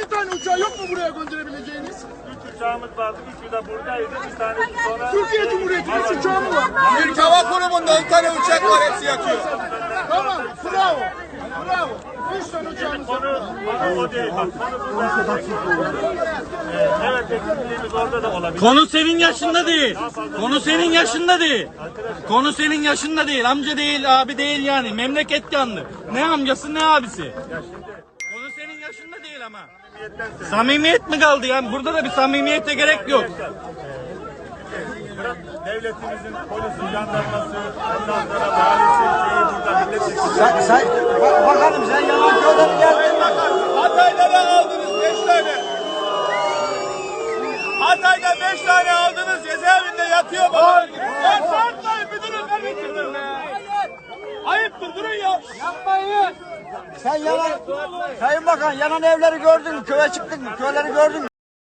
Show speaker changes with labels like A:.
A: 2 tane uçağı yok mu buraya gönderebileceğiniz?
B: 3 uçağımız vardı. 3'ü de buradaydı. Bir tanesi sonra...
A: Türkiye Cumhuriyeti'nin 3 uçağı mı var?
C: Türk Hava Kurumu'nda 10 tane uçak var, hepsi yatıyor.
A: Tamam, bravo. Bravo. 3 tane uçağımız var.
B: Konu o değil. Bak, konu burada. Evet, eksikliğimiz orada da olabilir.
D: Konu senin yaşında değil. Konu senin yaşında değil. Konu senin yaşında değil. Amca değil, abi değil yani. Memleket yandı. Ne amcası ne abisi. Konu senin yaşında değil ama. Samimiyet mi kaldı yani? Burada da bir samimiyete gerek yok.
B: Devletimizin polisi, jandarması, ondan sonra valisi, şeyi burada milletvekili.
E: Sen bakalım sen yalan köyden geldin.
C: Hatay'da aldınız 5 tane. Hatay'da 5 tane aldınız, cezaevinde yatıyor baba. Ya sarkmayın müdürüm, kardeşim. Ayıptır, durun ya.
E: Sen yalan. Sayın Bakan yanan evleri gördün mü? Köye çıktın mı? Köyleri gördün mü?